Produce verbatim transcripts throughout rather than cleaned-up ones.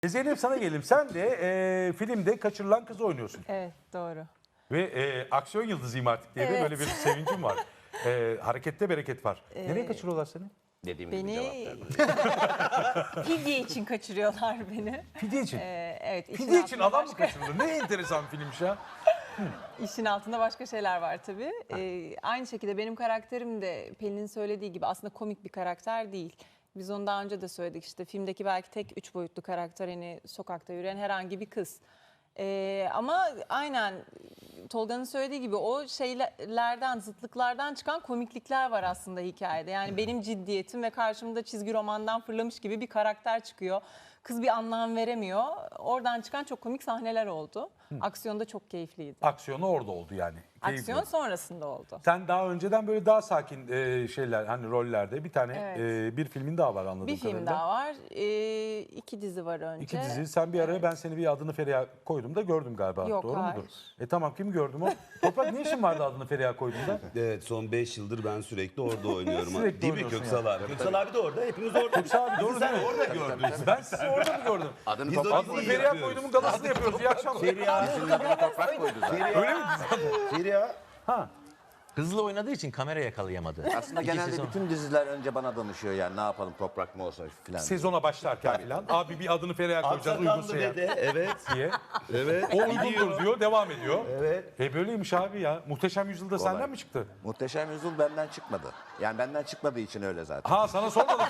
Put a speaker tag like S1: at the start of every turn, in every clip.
S1: E Zeynep sana gelelim. Sen de e, filmde kaçırılan kızı oynuyorsun.
S2: Evet, doğru.
S1: Ve e, aksiyon yıldızıyım artık diye de
S2: Evet.
S1: böyle bir sevincim var. E, harekette bereket var. Nereye kaçırıyorlar seni?
S3: Dediğim gibi
S2: Beni
S3: cevap vermem.
S2: fidye için kaçırıyorlar beni.
S1: Fidye için.
S2: Ee, evet. işin
S1: Fidye için
S2: altında
S1: adam mı
S2: başka-
S1: kaçırılır? Ne enteresan filmmiş ya.
S2: İşin altında başka şeyler var tabii. Ee, aynı şekilde benim karakterim de Pelin'in söylediği gibi aslında komik bir karakter değil. Biz onu daha önce de söyledik, işte filmdeki belki tek üç boyutlu karakter, hani sokakta yürüyen herhangi bir kız. Ee, ama aynen Tolga'nın söylediği gibi o şeylerden, zıtlıklardan çıkan komiklikler var aslında hikayede. Yani benim ciddiyetim ve karşımda çizgi romandan fırlamış gibi bir karakter çıkıyor. Kız bir anlam veremiyor. Oradan çıkan çok komik sahneler oldu. Aksiyon da çok keyifliydi.
S1: Aksiyonu orada oldu yani. Keyifli.
S2: Aksiyon sonrasında oldu.
S1: Sen daha önceden böyle daha sakin e, şeyler, hani rollerde bir tane
S2: Evet.
S1: e, bir filmin daha var anladığım
S2: Bir film
S1: kadarıyla.
S2: daha var. Ee, iki dizi var önce.
S1: İki dizi. Sen bir araya ben seni bir adını Feriha koydum da gördüm galiba.
S2: Yok,
S1: Doğru
S2: hayır.
S1: mudur? E tamam, kim gördüm o? Toprak, ne işin vardı adını Feriha koyduğunda?
S4: Evet, son beş yıldır ben sürekli orada oynuyorum.
S1: Sürekli
S4: Değil mi
S1: oynuyorsun
S4: Köksal abi? Köksal abi de orada, hepimiz orada.
S1: Köksal abi doğru değil mi?
S4: Orada gördün.
S1: Ben sizi orada mı gördüm?
S3: Adını
S4: Biz de
S3: toprak
S1: Adını
S4: iyi
S3: koydu.
S1: Feriha
S4: yapıyoruz.
S1: koyduğumun galasını yapıyoruz. İyi akşamlar.
S4: Feriha,
S3: Senin adını toprak koydu zaten.
S1: Öyle mi?
S4: Feriha.
S1: Ha.
S5: Hızlı oynadığı için kamera yakalayamadı.
S3: Aslında
S5: İki
S3: genelde
S5: sezon.
S3: bütün diziler önce bana danışıyor, yani ne yapalım, toprak mı olsa filan.
S1: Sezona başlarken falan. Abi bir adını Feriha koyacağız uygunsa
S4: Aksakallı
S1: ya
S4: dede, evet.
S1: diye.
S4: Evet.
S1: O uygundur diyor, devam ediyor.
S4: Evet.
S1: E böyleymiş abi ya. Muhteşem Yüzyılda
S3: Kolay.
S1: senden mi çıktı?
S3: Muhteşem Yüzyıl benden çıkmadı. Yani benden çıkmadığı için öyle zaten.
S1: Ha, sana sormadım.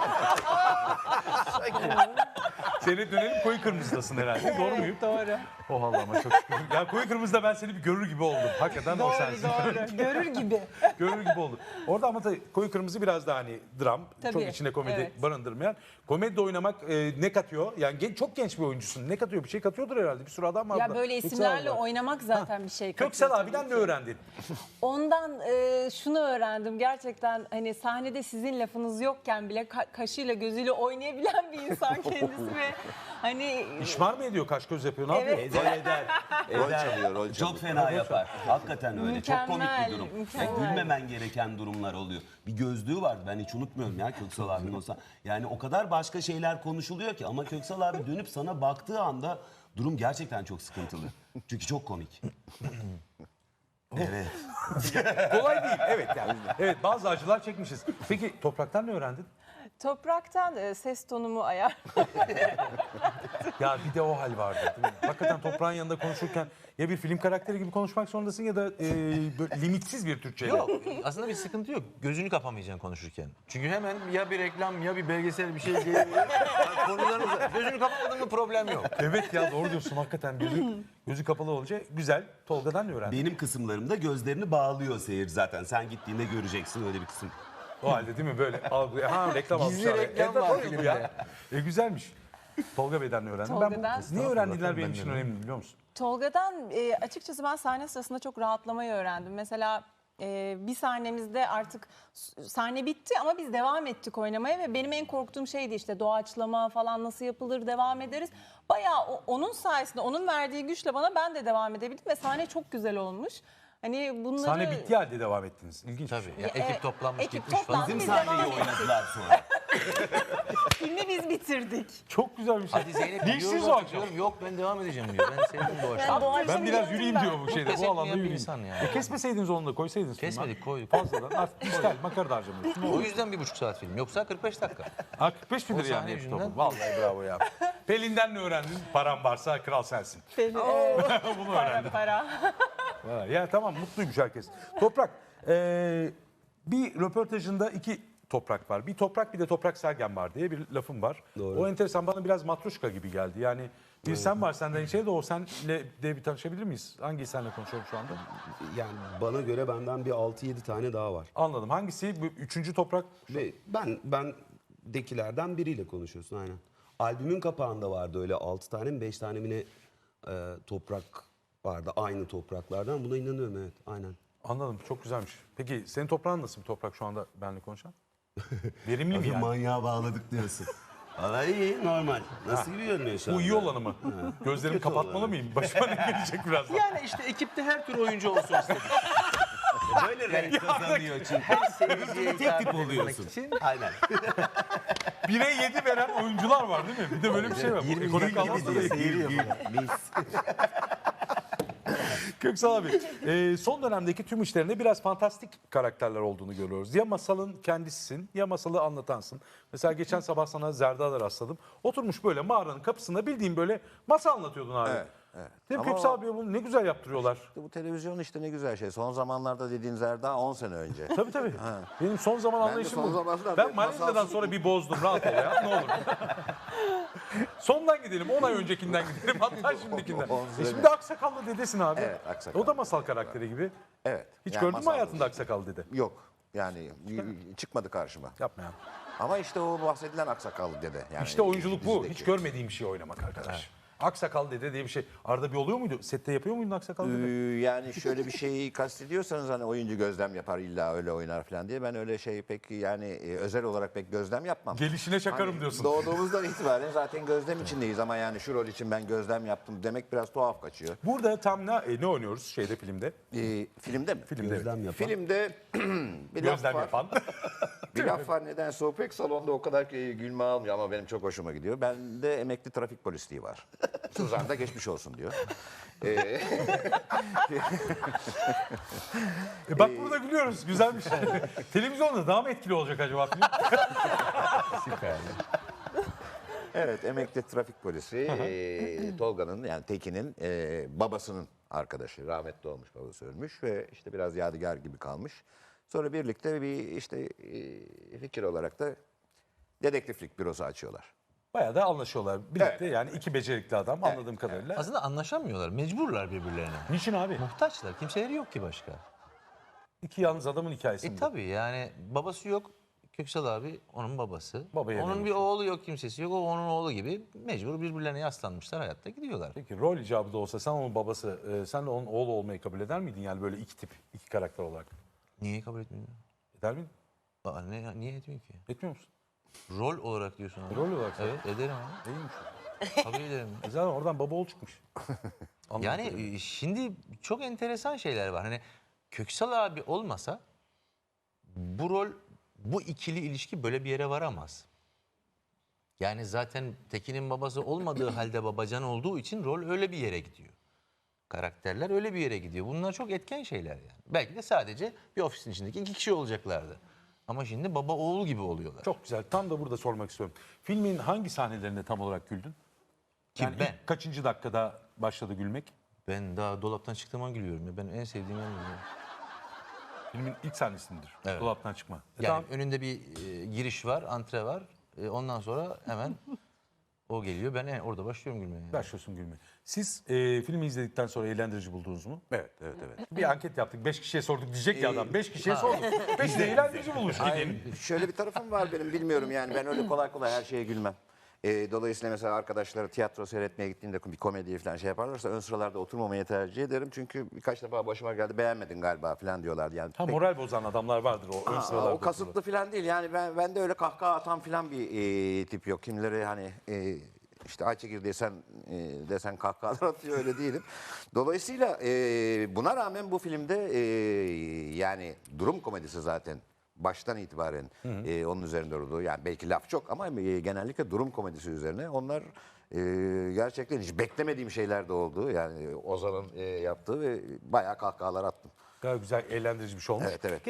S1: Seni dönelim koyu kırmızıdasın herhalde. Doğru muyum?
S2: Doğru.
S1: Oh Allah'ıma çok şükür. Ya koyu kırmızıda ben seni bir görür gibi oldum. Hakikaten o sensin.
S2: Doğru. Görür gibi.
S1: Görür gibi oldum. Orada ama tabii koyu kırmızı biraz daha hani dram.
S2: Tabii,
S1: Çok içinde komedi
S2: evet.
S1: barındırmayan. Komedide oynamak e, ne katıyor? Yani gen- çok genç bir oyuncusun. Ne katıyor? Bir şey katıyordur herhalde. Bir sürü adam var.
S2: Ya
S1: burada.
S2: böyle
S1: Köksal
S2: isimlerle
S1: var.
S2: oynamak zaten bir şey katıyor.
S1: Köksal
S2: tabii
S1: abiden
S2: ki.
S1: ne öğrendin?
S2: Ondan e, şunu öğrendim. Gerçekten hani sahnede sizin lafınız yokken bile ka- kaşıyla gözüyle oynayabilen bir insan kendisi ve hani
S1: İşmar mı ediyor? Kaş göz yapıyor? Ne
S2: Evet.
S1: yapıyor?
S4: Eder eder.
S3: Rol
S4: Eder.
S3: çalıyor, rol çalıyor.
S4: Çok fena yapar. Hakikaten öyle. Çok komik
S2: Mükemmel,
S4: bir durum.
S2: mükemmel.
S4: Ya gülmemen gereken durumlar oluyor. Bir gözlüğü vardı, ben hiç unutmuyorum ya Köksal abinin olsa. Yani o kadar başka şeyler konuşuluyor ki ama Köksal abi dönüp sana baktığı anda durum gerçekten çok sıkıntılı. Çünkü çok komik. Evet.
S1: Kolay değil. Evet yani. Evet, bazı acılar çekmişiz. Peki Toprak'tan ne öğrendin?
S2: topraktan e, ses tonumu ayar.
S1: Ya bir de o hal vardı değil mi? Hakikaten Toprağın yanında konuşurken ya bir film karakteri gibi konuşmak zorundasın ya da e, böyle limitsiz bir Türkçeyle.
S5: Yok, aslında bir sıkıntı yok. Gözünü kapamayacaksın konuşurken. Çünkü hemen ya bir reklam ya bir belgesel bir şey gelebilir. Yani konularınızda gözünü kapamadın mı problem yok.
S1: Evet ya, doğru diyorsun hakikaten. Gözü, gözü kapalı olunca güzel. Tolga'dan ne öğrendin?
S4: Benim kısımlarımda gözlerini bağlıyor seyir zaten. Sen gittiğinde göreceksin öyle bir kısım.
S1: O halde değil mi böyle algılıyor. Ha, reklam
S5: Gizli
S1: almışlar.
S5: reklam
S1: Evet,
S5: var
S1: doğru bu
S5: filmde.
S1: ya. E güzelmiş. Tolga Bey'den ne öğrendin? Ben
S2: Tolga'dan-
S1: bu, niye öğrendiler benim
S5: Ben
S1: için
S5: de
S1: önemli biliyor musun?
S2: Tolga'dan e, açıkçası ben sahne sırasında çok rahatlamayı öğrendim. Mesela e, bir sahnemizde artık s- sahne bitti ama biz devam ettik oynamaya ve benim en korktuğum şeydi işte doğaçlama falan nasıl yapılır, devam ederiz. Bayağı o- onun sayesinde, onun verdiği güçle bana ben de devam edebildim ve sahne çok güzel olmuş. Hani bunları...
S1: Sahne bitti halde devam ettiniz. İlginç.
S5: Tabii. Ya,
S2: Ya,
S5: ekip
S2: e,
S5: toplanmış
S2: ekip
S5: gitmiş falan.
S2: toplandı.
S4: Bizim
S2: Biz
S4: sahneyi
S2: devam ettik.
S4: oynadılar sonra.
S2: Filmi biz bitirdik.
S1: Çok güzel bir şey.
S5: Hadi Zeynep
S1: Ne işiniz
S5: gidiyoruz
S1: o
S5: artık
S1: akşam?
S5: diyorum. Yok ben devam edeceğim diyor. Ben sevdim doğaçlamayı.
S2: doğaçlama
S1: Ben biraz
S2: yaptım
S1: yürüyeyim
S2: ben.
S1: diyor bu şeyde.
S5: Pes
S1: Bu alanda
S5: etmeyen bir
S1: yürüyeyim.
S5: insan ya.
S1: E kesmeseydiniz onu da koysaydınız.
S5: Kesmedik,
S1: filme.
S5: koyduk.
S1: Fazladan artık dijital makara da harcamıyorsun.
S5: O yüzden bir buçuk saat film. Yoksa kırk beş dakika.
S1: Ha, kırk beş midir
S5: O
S1: yani
S5: sahne
S1: hepsi
S5: yüzünden.
S1: toplam? Vallahi bravo ya. Pelin'den ne öğrendin? Param varsa kral sensin.
S2: Pelin,
S1: Bunu
S2: para
S1: öğrendim.
S2: para.
S1: Ha, ya tamam, mutluymuş herkes. Toprak, e, bir röportajında iki Toprak var. Bir Toprak bir de Toprak Sergen var diye bir lafım var.
S4: Doğru.
S1: O enteresan, bana biraz matruşka gibi geldi. Yani bir sen var senden içeri de o senle de bir tanışabilir miyiz? Hangi senle konuşuyorum şu anda?
S4: Yani bana göre benden bir altı yedi tane daha var.
S1: Anladım. Hangisi? Bu üçüncü Toprak.
S4: Ve ben ben dekilerden biriyle konuşuyorsun aynen. Albümün kapağında vardı öyle altı tane mi beş tane mi ne e, toprak vardı aynı topraklardan. Buna inanıyorum, evet aynen.
S1: Anladım. Çok güzelmiş. Peki senin toprağın nasıl bir toprak şu anda benimle konuşan? Verimli mi
S4: Abi
S1: yani?
S4: manyağa bağladık diyorsun. Valla iyi, normal. Nasıl gibi görünüyor şu
S1: Bu
S4: anda?
S1: iyi olanı mı? Gözlerimi
S4: Kötü
S1: kapatmalı
S4: olanı.
S1: mıyım? Başıma ne gelecek birazdan?
S5: Yani işte ekipte her tür oyuncu olsun istedik.
S4: Böyle renk kazanıyor çünkü.
S5: Seyirciye
S4: Tek
S5: hitap
S4: tip
S5: edebilmek
S4: oluyorsun.
S5: için
S4: Aynen.
S1: Bire yedi veren oyuncular var değil mi? Bir de böyle bir şey var. Bu ekonomik anlamda da
S5: seyiriyor falan.
S1: Köksal abi, e, son dönemdeki tüm işlerinde biraz fantastik karakterler olduğunu görüyoruz. Ya masalın kendisisin ya masalı anlatansın. Mesela geçen sabah sana Zerda'da rastladım. Oturmuş böyle mağaranın kapısında bildiğin böyle masal anlatıyordun abi.
S3: Evet, evet.
S1: Değil mi
S3: Ama
S1: Köksal
S3: o-
S1: abi bunu ne güzel yaptırıyorlar.
S3: İşte bu televizyon işte ne güzel şey. Son zamanlarda dediğiniz Erda on sene önce.
S1: Tabii tabii. Benim son zaman
S3: de
S1: anlayışım
S3: son
S1: bu.
S3: zamanlarda
S1: Ben
S3: hep
S1: Malezya'dan
S3: masalsız-
S1: sonra bir bozdum. Rahat ol ya ne olur. Sondan gidelim. on ay öncekinden gidelim. Hatta şimdikinden.
S3: On
S1: E
S3: sene.
S1: şimdi aksakallı dedesin abi.
S3: Evet, aksakallı.
S1: O da masal karakteri gibi.
S3: Evet.
S1: Hiç
S3: yani
S1: gördün mü
S3: masal
S1: hayatında
S3: bu.
S1: aksakallı dede?
S3: Yok. Yani y- çıkmadı karşıma.
S1: Yapma ya.
S3: Ama işte o bahsedilen aksakallı dede. Yani
S1: İşte oyunculuk bu.
S3: dizideki.
S1: Hiç görmediğim bir şey oynamak arkadaş. Aksakal dede diye bir şey. Arada bir oluyor muydu? Sette yapıyor muydun aksakal
S3: Ee,
S1: dede?
S3: yani şöyle bir şeyi kastediyorsanız hani oyuncu gözlem yapar illa öyle oynar falan diye ben öyle şey pek yani e, özel olarak pek gözlem yapmam.
S1: Gelişine çakarım
S3: Hani
S1: diyorsun.
S3: Doğduğumuzdan itibaren zaten gözlem içindeyiz ama yani şu rol için ben gözlem yaptım demek biraz tuhaf kaçıyor.
S1: Burada tam ne, e, ne oynuyoruz şeyde filmde?
S3: Ee, filmde mi?
S1: Filmde.
S4: Gözlem yapan.
S3: Filmde bir laf
S1: Gözlem
S3: var.
S1: yapan.
S3: Bir laf var nedense o pek salonda o kadar ki gülme almıyor ama benim çok hoşuma gidiyor. Bende emekli trafik polisliği var. Suzan da geçmiş olsun diyor. Ee,
S1: E bak burada gülüyoruz. Güzel bir şey. Televizyonda daha mı etkili olacak acaba film?
S3: evet emekli trafik polisi ee, Tolga'nın yani Tekin'in ee, babasının arkadaşı. Rahmetli olmuş, babası ölmüş ve işte biraz yadigar gibi kalmış. Sonra birlikte bir işte ee, fikir olarak da dedektiflik bürosu açıyorlar.
S1: Bayağı da anlaşıyorlar. Birlikte
S3: Evet.
S1: yani iki becerikli adam anladığım kadarıyla.
S5: Aslında anlaşamıyorlar. Mecburlar birbirlerine.
S1: Niçin abi?
S5: Muhtaçlar. Kimseleri yok ki başka.
S1: İki yalnız adamın hikayesi.
S5: E
S1: bu.
S5: tabii yani babası yok. Köksal abi onun babası.
S1: Babaya
S5: onun bir
S1: dönmüş.
S5: oğlu yok, kimsesi yok. O onun oğlu gibi mecbur birbirlerine yaslanmışlar, hayatta gidiyorlar.
S1: Peki rol icabı da olsa sen onun babası, e, sen de onun oğlu olmayı kabul eder miydin? Yani böyle iki tip, iki karakter olarak.
S5: Niye kabul etmiyorsun?
S1: Eder miydin?
S5: Aa, ne, niye etmiyor ki?
S1: Etmiyor musun?
S5: Rol olarak diyorsun abi.
S1: Rol olarak.
S5: Evet, ederim abi.
S1: İyiymiş.
S5: Tabii ederim.
S1: E zaten oradan baba oğul çıkmış. Anladığım
S5: Yani
S1: kadarıyla.
S5: e, şimdi çok enteresan şeyler var. Hani Köksal abi olmasa bu rol, bu ikili ilişki böyle bir yere varamaz. Yani zaten Tekin'in babası olmadığı halde babacan olduğu için rol öyle bir yere gidiyor. Karakterler öyle bir yere gidiyor. Bunlar çok etken şeyler yani. Belki de sadece bir ofisin içindeki iki kişi olacaklardı. Ama şimdi baba oğul gibi oluyorlar.
S1: Çok güzel. Tam da burada sormak istiyorum. Filmin hangi sahnelerinde tam olarak güldün?
S5: Kim,
S1: Yani
S5: ben?
S1: ilk kaçıncı dakikada başladı gülmek?
S5: Ben daha dolaptan çıktığım an gülüyorum. Ya. Ben en sevdiğim an gülüyorum.
S1: Filmin ilk sahnesindir.
S5: Evet.
S1: Dolaptan çıkma. E
S5: Yani
S1: tamam.
S5: önünde bir e, giriş var, antre var. E, ondan sonra hemen o geliyor. Ben e, orada başlıyorum gülmeye. yani.
S1: Başlıyorsun gülmeye. Siz e, filmi izledikten sonra eğlendirici buldunuz mu?
S3: Evet, evet, evet.
S1: Bir anket yaptık. Beş kişiye sorduk diyecek ya
S3: Ee,
S1: adam. Beş kişiye sorduk. Beş de eğlendirici bulmuş.
S3: Ay, şöyle bir tarafım var benim bilmiyorum yani ben öyle kolay kolay her şeye gülmem. Ee, dolayısıyla mesela arkadaşları tiyatro seyretmeye gittiğinde bir komedi falan şey yaparlarsa ön sıralarda oturmamayı tercih ederim. Çünkü birkaç defa başıma geldi beğenmedin galiba falan diyorlardı. Yani
S1: Ha
S3: pek-
S1: moral bozan adamlar vardır o ön
S3: Aa,
S1: sıralarda.
S3: o kasıtlı falan değil yani ben ben de öyle kahkaha atan falan bir e, tip yok. Kimleri hani e, işte Ayçekir desen e, desen kahkahalar atıyor öyle değilim. Dolayısıyla e, buna rağmen bu filmde e, yani durum komedisi zaten baştan itibaren e, onun üzerinde durduğu yani belki laf çok ama e, genellikle durum komedisi üzerine onlar e, gerçekten hiç beklemediğim şeyler de oldu. Yani Ozan'ın e, yaptığı ve bayağı kahkahalar attım.
S1: Gayet güzel eğlendirici bir şey olmuş.
S3: Evet evet.